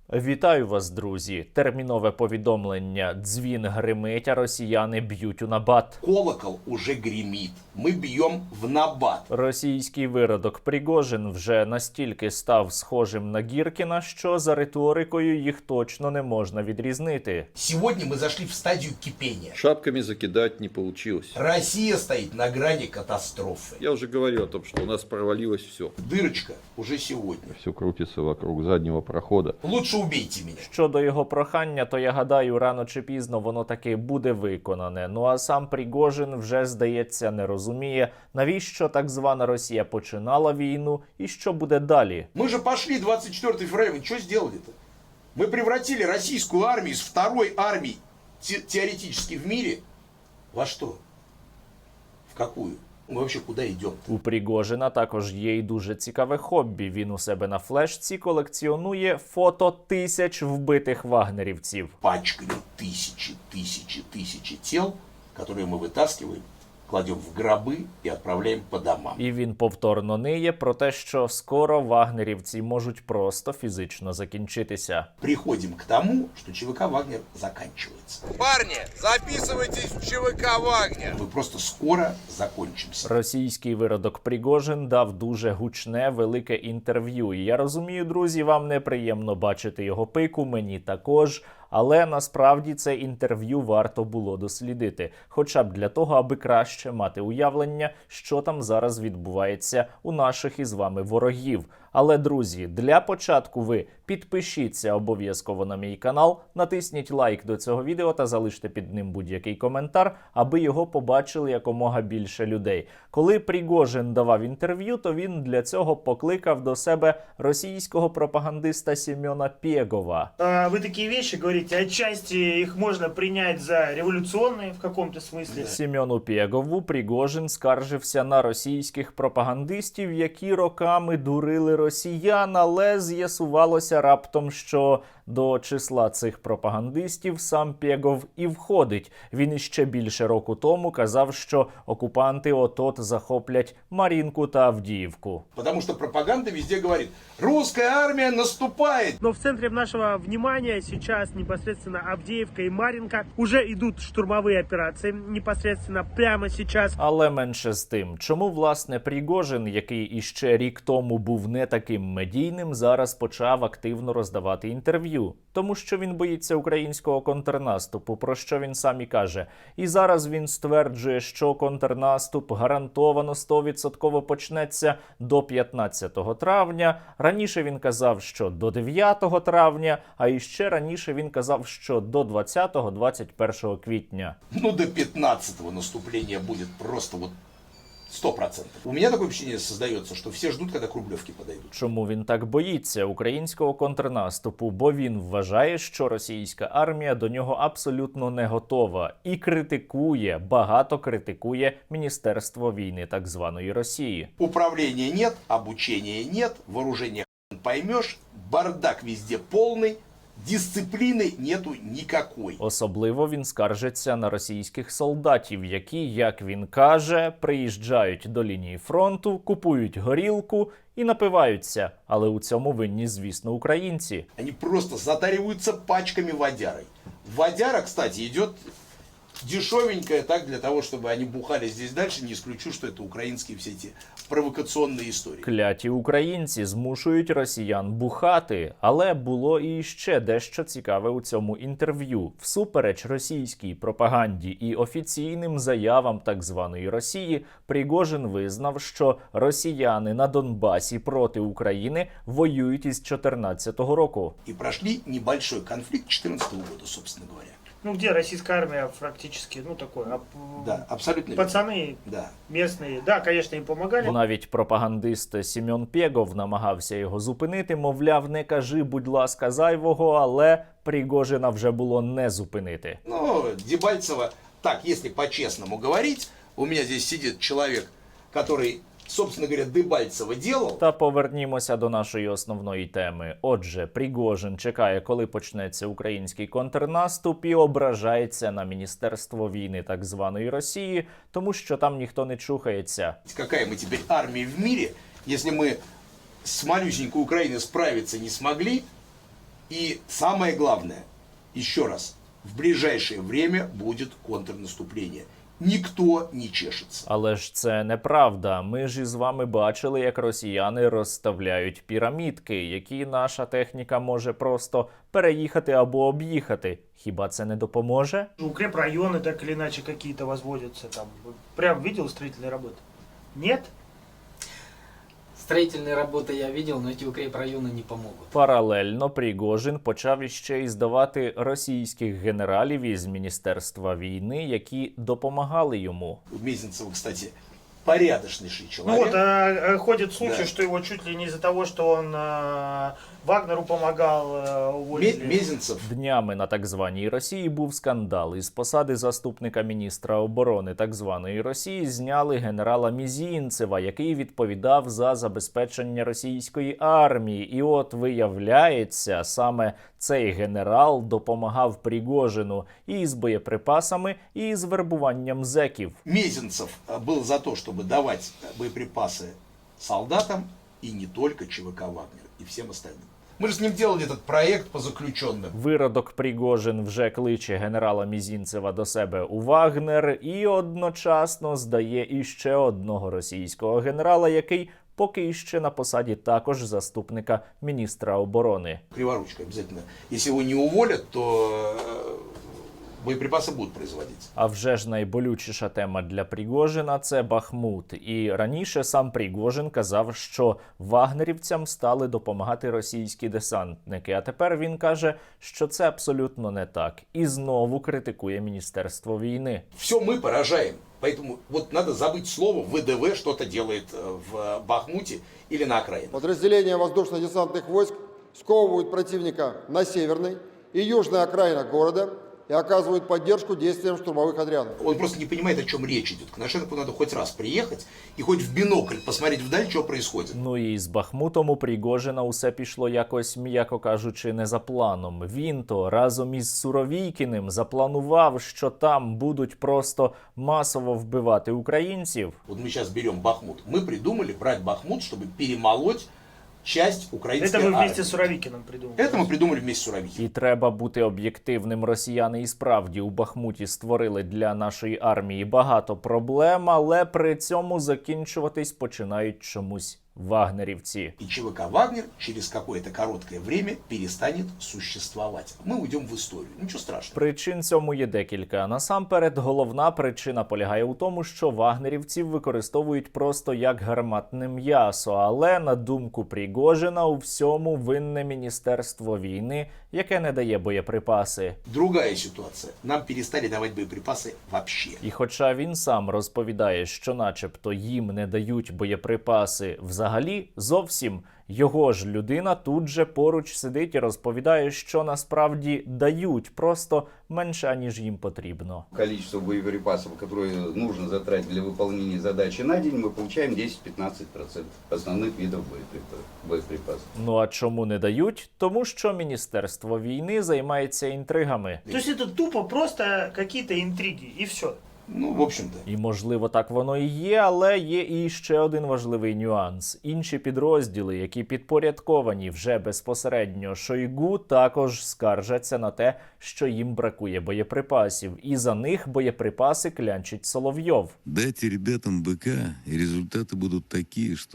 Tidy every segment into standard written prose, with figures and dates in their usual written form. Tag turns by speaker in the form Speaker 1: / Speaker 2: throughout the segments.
Speaker 1: Вітаю вас, друзі! Термінове повідомлення. Дзвін гримить, а росіяни б'ють у набат.
Speaker 2: Колокол уже гремит. Мы бьем в набат.
Speaker 1: Російський виродок Пригожин вже настільки став схожим на Гіркіна, що за риторикою їх точно не можна відрізнити.
Speaker 2: Сегодня мы зашли в стадию кипения.
Speaker 3: Шапками закидать не получилось.
Speaker 2: Россия стоит на грани катастрофы.
Speaker 3: Я уже говорил о том, что у нас провалилось все.
Speaker 2: Дырочка уже сегодня.
Speaker 3: Все крутится вокруг заднего прохода.
Speaker 2: Лучше убейте меня.
Speaker 1: Щодо його прохання, то я гадаю, рано чи пізно воно таки буде виконане. Ну а сам Пригожин вже, здається, не розуміє, навіщо так звана Росія починала війну і що буде далі.
Speaker 2: Мы же пошли 24 февраля. Вы что сделали-то? Мы превратили российскую армию из второй армии теоретически в мире во что? В какую? Мы вообще куда идем?
Speaker 1: У Пригожина також є й дуже цікаве хобі. Він у себе на флешці колекціонує фото тисяч вбитих вагнерівців.
Speaker 2: Пачками тысячи тел, которые мы вытаскиваем, кладем в гробы и отправляем по домам.
Speaker 1: І він повторно ниє про те, що скоро вагнерівці можуть просто фізично закінчитися.
Speaker 2: Приходим к тому, что ЧВК «Вагнер» заканчивается.
Speaker 4: Парни, записывайтесь в ЧВК «Вагнер».
Speaker 2: Мы просто скоро закончимся.
Speaker 1: Російський виродок Пригожин дав дуже гучне, велике інтерв'ю. І я розумію, друзі, вам неприємно бачити його пику, мені також. Але насправді це інтерв'ю варто було дослідити. Хоча б для того, аби краще мати уявлення, що там зараз відбувається у наших із вами ворогів. Але, друзі, для початку ви підпишіться обов'язково на мій канал, натисніть лайк до цього відео та залиште під ним будь-який коментар, аби його побачили якомога більше людей. Коли Пригожин давав інтерв'ю, то він для цього покликав до себе російського пропагандиста Семена Пегова.
Speaker 5: Вы такие вещи говорите, отчасти их можно принять за революционные в каком-то смысле.
Speaker 1: Семену Пегову Пригожин скаржився на російських пропагандистів, які роками дурили росіян, але з'ясувалося раптом, що до числа цих пропагандистів сам Пегов і входить. Він іще більше року тому казав, що окупанти от-от захоплять Мар'їнку та Авдіївку.
Speaker 2: Потому что пропаганда везде говорит: русская армия наступает.
Speaker 5: Но в центре нашего внимания сейчас непосредственно Авдеевка и Марьинка. Уже идут штурмовые операции непосредственно прямо сейчас.
Speaker 1: Але менше з тим, чому, власне, Пригожин, який іще рік тому був не таким медійним, зараз почав активно роздавати інтерв'ю? Тому що він боїться українського контрнаступу, про що він сам і каже. І зараз він стверджує, що контрнаступ гарантовано 100% почнеться до 15 травня. Раніше він казав, що до 9 травня, а іще раніше він казав, що до 20-21 квітня.
Speaker 2: Ну, до 15-го наступление будет просто вот 100%. У меня такое впечатление создается, что все ждут, когда к Рублевке подойдут.
Speaker 1: Чому він так боїться українського контрнаступу? Бо він вважає, що російська армія до нього абсолютно не готова. І критикує, багато критикує Міністерство війни так званої Росії.
Speaker 2: Управления нет, обучения нет, вооружения хрен поймешь, бардак везде полный, дисциплины нету никакой.
Speaker 1: Особливо він скаржиться на російських солдатів, які, як він каже, приїжджають до лінії фронту, купують горілку і напиваються. Але у цьому винні, звісно, українці.
Speaker 2: Они просто затариваются пачками водярой. Водяра, кстати, идет дешевенькая, так, для того, чтобы они бухали здесь дальше. Не исключу, что это украинские все эти провокационные истории.
Speaker 1: Кляті українці змушують росіян бухати. Але було і ще дещо цікаве у цьому інтерв'ю. Всупереч російській пропаганді і офіційним заявам так званої Росії, Пригожин визнав, що росіяни на Донбасі проти України воюють із 2014 року.
Speaker 2: И прошли небольшой конфликт 2014 года, собственно говоря.
Speaker 5: Ну где российская армия практически, ну такое.
Speaker 2: Да, абсолютно верно.
Speaker 5: Пацаны
Speaker 2: Да.
Speaker 5: местные, да, конечно, им помогали.
Speaker 1: Навіть пропагандист Семен Пегов намагався його зупинити, мовляв, не кажи, будь ласка, зайвого, але Пригожина вже було не зупинити.
Speaker 2: Ну, Дебальцево, так, если по-честному говорить, у меня здесь сидит человек, который, собственно говоря, Дебальцево делал.
Speaker 1: Та повернімося до нашої основної теми. Отже, Пригожин чекає, коли почнеться український контрнаступ, і ображається на Міністерство війни так званої Росії, тому що там ніхто не чухається.
Speaker 2: Какая мы теперь армия в мире, если мы с малюсенькой Украиной справиться не смогли, И самое главное, еще раз, в ближайшее время будет контрнаступление. Ніхто не чешеться.
Speaker 1: Але ж це неправда. Ми ж із вами бачили, як росіяни розставляють пірамідки, які наша техніка може просто переїхати або об'їхати. Хіба це не допоможе?
Speaker 5: Укрепрайоны так или иначе какие-то возводятся там. Прям видел строительные работы? Нет?
Speaker 6: Строительные работы я видел, но эти укрепрайоны не помогут.
Speaker 1: Паралельно Пригожин почав іще й здавати російських генералів із Міністерства війни, які допомагали йому.
Speaker 2: У Мезенцева, кстати, порядочнейший
Speaker 5: Ну
Speaker 2: человек.
Speaker 5: вот, ходит слухи,
Speaker 2: Да.
Speaker 5: что его чуть ли не из-за того, что он Вагнеру помогал, уволили.
Speaker 2: Мезенцев
Speaker 1: Днями на так званій Росії був скандал. Із посади заступника міністра оборони так званої Росії зняли генерала Мізінцева, який відповідав за забезпечення російської армії. І от виявляється, саме цей генерал допомагав Пригожину і з боєприпасами, і з вербуванням зеків.
Speaker 2: Мезенцев был за то, чтобы давать боеприпасы солдатам и не только ЧВК «Вагнер» и всем остальным. Мы же с ним делали этот проект по заключенным.
Speaker 1: Виродок Пригожин вже кличе генерала Мізінцева до себе у Вагнер і одночасно здає іще одного російського генерала, який поки іще на посаді також заступника міністра оборони.
Speaker 2: Криворучка обязательно. Если его не уволят, то боеприпасы будут производиться.
Speaker 1: А вже ж найболючіша тема для Пригожина – це Бахмут. І раніше сам Пригожин казав, що вагнерівцям стали допомагати російські десантники. А тепер він каже, що це абсолютно не так. І знову критикує Міністерство війни.
Speaker 2: Все мы поражаем. Поэтому вот надо забыть слово ВДВ что-то делает в Бахмуте или на окраинах.
Speaker 7: Подразделения воздушно-десантных войск сковывают противника на северной и южной окраинах города и оказывают поддержку действиям штурмовых отрядов.
Speaker 2: Он просто не понимает, о чем речь идет. К Коношенкову надо хоть раз приехать и хоть в бинокль посмотреть вдаль, что происходит.
Speaker 1: Ну і з Бахмутом у Пригожина усе пішло якось, м'яко кажучи, не за планом. Він то разом із Суровійкіним запланував, що там будуть просто масово вбивати українців.
Speaker 2: Вот мы сейчас берем Бахмут. Мы придумали брать Бахмут, чтобы перемолоть часть украинской
Speaker 5: Это вы
Speaker 2: армии.
Speaker 5: вместе с Суровикиным придумали.
Speaker 2: Это мы придумали вместе с Суровикиным.
Speaker 1: І треба бути об'єктивним. Росіяни і справді у Бахмуті створили для нашої армії багато проблем, але при цьому закінчуватись починають чомусь вагнерівці.
Speaker 2: И ЧВК «Вагнер» через какое-то короткое время перестанет существовать. Мы уйдем в историю. Ничего страшного.
Speaker 1: Причин цьому є декілька. Насамперед, головна причина полягає у тому, що вагнерівців використовують просто як гарматне м'ясо. Але, на думку Пригожина, у всьому винне Міністерство війни, яке не дає боєприпаси.
Speaker 2: Другая ситуация. Нам перестали давать боеприпасы вообще.
Speaker 1: І хоча він сам розповідає, що начебто їм не дають боєприпаси взагалі зовсім, його ж людина тут же поруч сидить і розповідає, що насправді дають, просто менше, ніж їм потрібно.
Speaker 8: Количество боеприпасов, которые нужно затратить для выполнения задачи на день, мы получаем 10-15% основных видов боеприпасов.
Speaker 1: Ну а чому не дають? Тому що Міністерство війни займається інтригами.
Speaker 5: То есть это тупо просто какие-то интриги и все.
Speaker 2: Ну, в общем-то.
Speaker 1: І, можливо, так воно і є, але є і ще один важливий нюанс. Інші підрозділи, які підпорядковані вже безпосередньо Шойгу, також скаржаться на те, що їм бракує боєприпасів. І за них боєприпаси клянчить Соловйов.
Speaker 9: Дайте ребятам БК, и результаты будут такие, что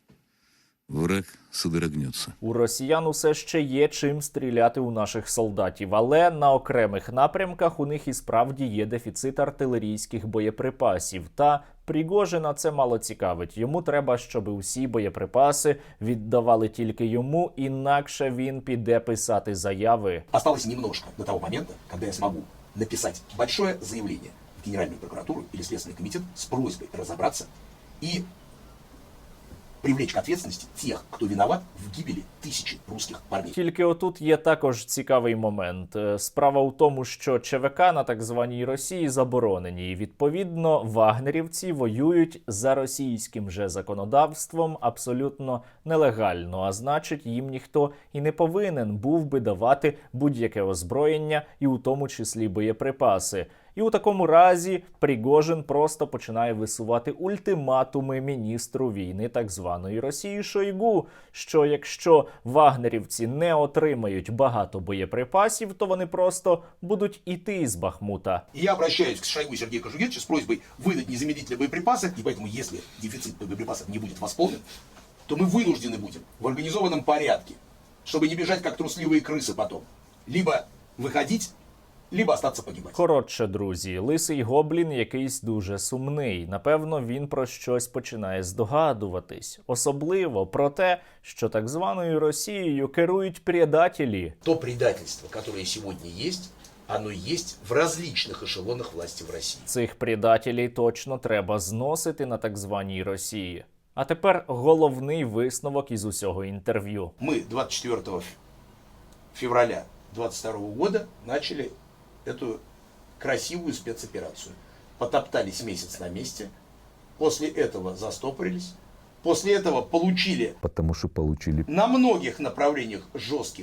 Speaker 9: враг содрогнется.
Speaker 1: У росіян усе ще є чим стріляти у наших солдатів, але на окремих напрямках у них і справді є дефіцит артилерійських боєприпасів. Та Пригожина це мало цікавить. Йому треба, щоб усі боєприпаси віддавали тільки йому, інакше він піде писати заяви.
Speaker 2: Осталось немножко до того момента, когда я смогу написать большое заявление в Генеральную прокуратуру или Следственный комитет с просьбой разобраться и привлечь к ответственности тех, кто виноват в гибели тысячи русских парней.
Speaker 1: Тільки отут є також цікавий момент. Справа у тому, що ЧВК на так званій Росії заборонені. І, відповідно, вагнерівці воюють за російським же законодавством абсолютно нелегально. А значить, їм ніхто і не повинен був би давати будь-яке озброєння, і у тому числі боєприпаси. І у такому разі Пригожин просто починає висувати ультиматуми міністру війни так званої Росії Шойгу, що якщо вагнерівці не отримають багато боєприпасів, то вони просто будуть іти з Бахмута.
Speaker 2: И я обращаюсь к Шойгу Сергею Кожугетовичу с просьбой выдать незамедлительно боеприпасы, и поэтому, если дефицит боеприпасов не будет восполнен, то мы вынуждены будем в организованном порядке, чтобы не бежать как трусливые крысы потом, либо выходить, либо остаться погибать.
Speaker 1: Коротше, друзі, лисий гоблін якийсь дуже сумний. Напевно, він про щось починає здогадуватись. Особливо про те, що так званою Росією керують предателі.
Speaker 2: То предательство, которое сегодня есть, оно есть в различных эшелонах власти в России.
Speaker 1: Цих предателів точно треба зносити на так званій Росії. А тепер головний висновок із усього інтерв'ю.
Speaker 2: Мы 24 февраля 2022 года начали эту красивую спецоперацию. Потоптались месяц на месте, после этого застопорились, после этого получили
Speaker 9: Потому что получили
Speaker 2: на многих направлениях жестких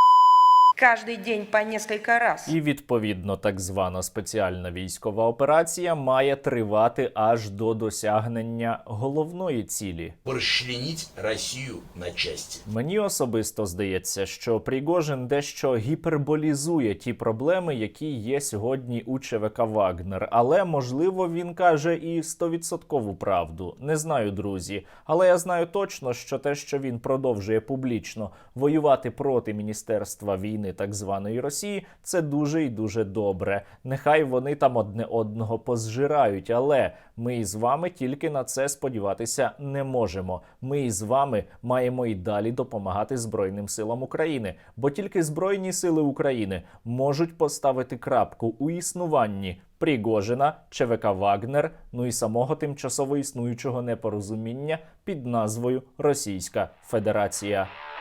Speaker 10: Каждый день по несколько раз.
Speaker 1: І, відповідно, так звана спеціальна військова операція має тривати аж до досягнення головної цілі.
Speaker 2: расчленить Россию на части.
Speaker 1: Мені особисто здається, що Пригожин дещо гіперболізує ті проблеми, які є сьогодні у ЧВК «Вагнер». Але, можливо, він каже і 100% правду. Не знаю, друзі. Але я знаю точно, що те, що він продовжує публічно воювати проти Міністерства війни так званої Росії, це дуже і дуже добре. Нехай вони там одне одного позжирають, але ми із вами тільки на це сподіватися не можемо. Ми із вами маємо і далі допомагати Збройним силам України, бо тільки Збройні сили України можуть поставити крапку у існуванні Пригожина, ЧВК «Вагнер», ну і самого тимчасово існуючого непорозуміння під назвою Російська Федерація.